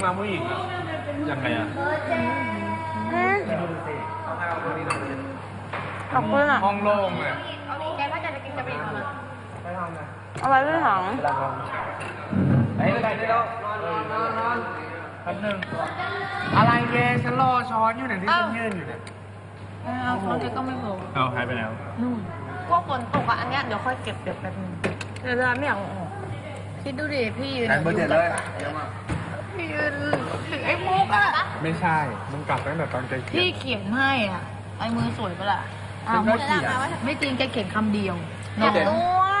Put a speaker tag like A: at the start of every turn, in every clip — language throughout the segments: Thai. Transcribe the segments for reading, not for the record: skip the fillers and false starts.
A: น้ำผู้หญิงยังไงอ่ะ
B: ขอบคุณอ่ะ
A: ห้องโล่งเลย
C: แกถ้าจะกินจะไปเอามา
B: เอาไว้ที่ถัง
A: ไอ้ไปได้แล้วนอนแป๊บนึงอะไรเกฉันรอช้อนอยู่เนี่ยที่ฉันยืนอยู่เนี่ย
C: เอาคนที่ก็ไม่รู้
A: เอาหายไปแล้ว
C: นู่นพวกฝนตกอ่ะอันเนี้ยเดี๋ยวค่อยเก็บแป๊บนึง
B: เดี๋ยวเราไม่อยากออก
C: คิดดูดิพี่ยืน
A: แอนเบอร์เจ็ดเลย
C: พี่ยืนถึงไอ้มุกอ่ะ
A: ไม่ใช่มึงกลับตั้งแต่ตอนแกเขีย
C: พี่
A: น
C: เขียนให้อ่ะไอ้มือสวยปะล่ะ
A: ฉันก็เขียน
C: ไม่จริงแกเขียนคำเดียว
B: อยากรู้ว่า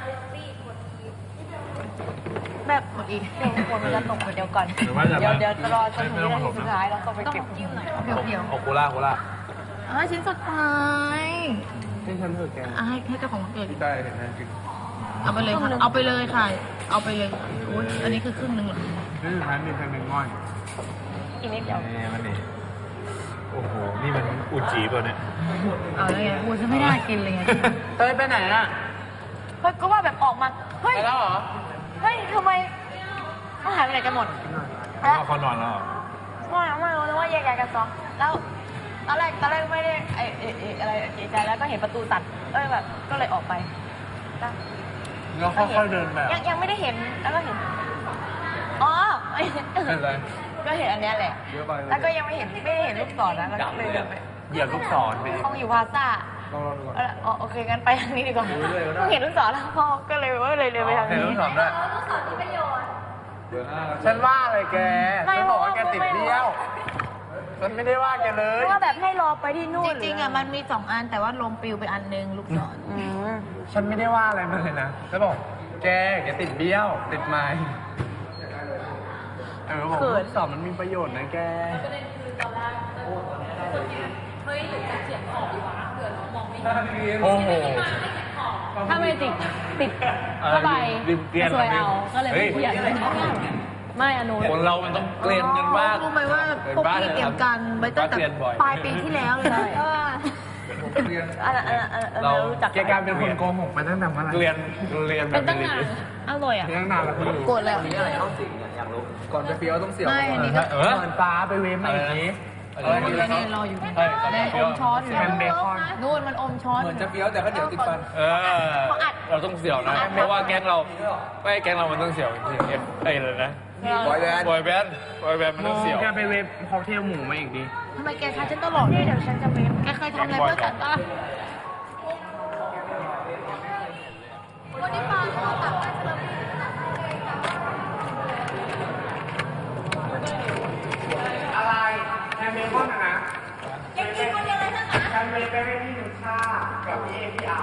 B: แบบ
C: หมดอีก
B: เดี๋ยวคนมันจะตกเดี๋ยวก่อน
A: หรือว่าจะ
B: เดี๋ยวจะรอจนถึงนาทีสุดท้ายแล้วก็ไป
C: ต้อง
B: เก็บ
C: จิ้มหน่อยเพียว
A: โอโคล่า
C: ชิ้นสุดท้าย
A: ให้ฉันเถอะแก
C: ให้เจ้าของวันเกิด
A: ได้เห็นไหมจริง
C: เอาไปเลยค่ะเอาไปเลยค่ะ เอาไปเลยอุ๊ยอันนี้คือครึ่งหนึ่งเหรอ
A: นี่สุดท้ายมีแค่เป็นง่อย
B: อีกนิดเดียว
A: นี่มันนี่โอ้โหนี่มันอุจีป่ะเนี่ย
C: เอาแล้วไงกูจะไม่น่ากินเลยไง
A: เต้ยไปไหนอ่ะ
B: เฮ้ยก็ว่าแบบออกมาเฮ้ย
A: ไปแล้วเหรอ
B: เฮ้ยทำไมเขาหายไปไหนกันหมด
A: ว่าเขานอนแล้วเหรอ
B: ไม่รู้นะว่าแยกย้ายกันซ้อมแล้วตอนแรกไม่ได้อะไรเอะใจแล้วก็เห็นประตูตัดแบบก็เลยออกไป
A: แล้วค่อยๆเดินแบบ
B: ยังไม่ได้เห็นแล้วก็เห็นอ๋อ
A: เป็นไร
B: ก็เห็นอันเนี้ยแหละ
A: เยอะไป
B: แล้วก็ยังไม่ได้เห็นลูกศรนะแล้วก็เลยเดินไป
A: เหยียบลูกศรไป
B: ห้องอยู่พาซ่า
A: ลองดูก่อน
B: อ๋อโอเคงั้นไปทางนี้ดีกว่า
A: ดูเลยก็ได้
B: เพิ่งเห็นลูกศรแล้วพ่อก็เลยเลยไปทาง
A: เห็น
B: นี้
A: ลูกศรด้วยฉันว่าอะไรแก
B: ไม่
A: ฉันบอกว่าแกติดเบี้ยวฉันไม่ได้ว่าแกเลย
B: ว่าแบบให้รอไปที่นู่น
C: จริงๆอ่ะมันมี2 อันแต่ว่าลมปลิวไปอันนึงลูกศร
A: ฉันไม่ได้ว่าอะไรมันเลยนะฉันบอกแกติดเบี้ยวติดไม้บอกลูกศรมันมีประโยชน์นะแกโอ้โห
B: ถ้าไม่ติดเข้าไปสวยเอาก็เลยไม่เขียนไม่อนุ
A: คนเรามันต้องเกลียนกันบ้าง
C: รู้ไหมว่าพวกพี่เตรียมการไว้ตั้งแต่ปลายปีที่แล้วเลย
B: เรารู้จัก
A: แกกลายเป็นคนโกหกมาตั้งแต่เมื่อไหร่เรียนแบ
C: เป็น
A: บ
C: ตั้งนานอร่อยอ่ะ
A: ตั้งนานแล้วคุณ
C: โกรธแล้ว
D: ก่อนไปเฟี้ยวต้องเสียว
C: ไม่อันนี้ก็
A: เหมือนฟ้าไปเวฟมาอีกที
C: นี่รออยู่นี่แดงอมช้อนอยู่
A: แฮมเบคอน
C: นู่นมันอมช้อน
D: เหมือนจะเฟี้ยวแต่ก็เดี๋ยวติดฟัน
E: เราต้องเสี่ยวนะ เพราะว่าแก๊งเรามันต้องเสี่ยวจริงๆเลยนะ
D: บอยแบนด์
E: บอยแบนด์มันต้องเสี่ยว
A: แกไปเวฟค็อกเทลหมูมาอีกดิ
C: ทำไมแกทักฉันตลอดเลยเดี๋ยวฉันจะเว้นแกเคยทำอะไรเพื่อฉันปะวันนี้มาเราตัดมาเฉลิม
A: อะไรแฮมเบคอนนะ
C: ยังกินคนเดียวเลยทั้งนั้น
A: แฮมเบคอนไม่มีหนึ่งชากับพี่เอา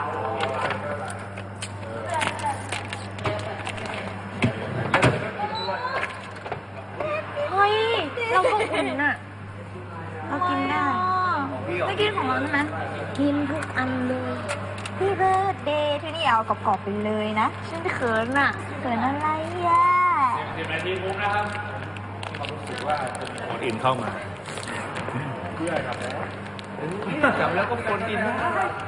B: เฮ้ยเราก็อุ่นอ่ะเรากินได้ไม่กินของเราใช่ไหมกินทุกอันเลยพี่เบิร์ดเดย์ที่นี่เอากรอบๆไปเลยนะฉันเขินอ่ะเขินอะไรอ่ะ
E: 10 นาทีคุ้มนะครับความรู้สึกว่าจะมีคนอื่นเข้ามา
A: จับแล้วก็คนกินนะ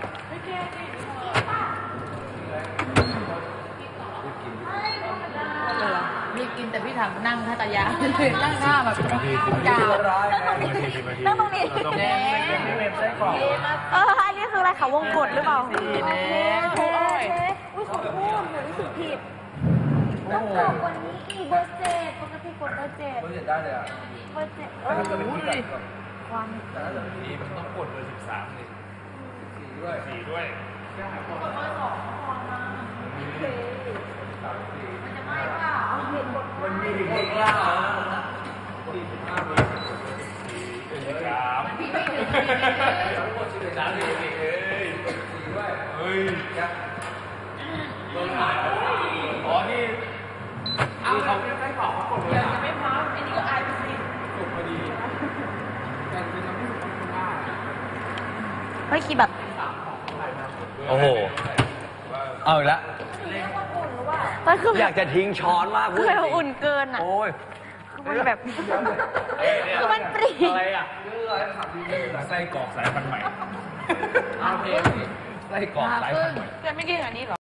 C: มีกินแต่พี่ถามนั่งท่าตายานั่งท่าแบบยาว
B: นั่งตรงนี้อันนี้คืออะไรคะวงกดหรือเปล่าโอเคอุ้ยขอโทษหนูรู้สึกผิดต้องกดกว่านี้อีกเบอร์7ปกติกดเบอร์7
D: เบอร์เจ็ดได้เลยอ่ะ
B: เบอร์7
D: ถ้าเกิดเป็นที่กัดก่อน
B: ความ
E: นี่มันต้องกดเบอร์13เลย
D: 4ด้วย
E: 4ด้วย
D: มันมีถึงคนกล้า45เบอร์
E: เฮ้ยโดนหายอ๋อนี่
A: เอาเขาไม่ขอเขากดเลย
C: ไม่พร้อมอันนี้ก็อายไปสิ
A: สุกพอดีแต่จริงๆมันไม่สุกคนได้
B: เฮ้ยคิดแบบ
D: โอ้โห เอาอีกแล้ว
B: มันคือ
D: อยากจะทิ้งช้อนมาก
B: คือเราอุ่นเกินอ่ะ
D: โอ้ย
B: คือมันแบบคือมันปรี
E: อะไรอ่ะไส้กรอกสายพันธุ์ใหม่
D: ไส้กรอกสายพันธุ์ใหม่
B: จะไม่กินอันนี้หรอ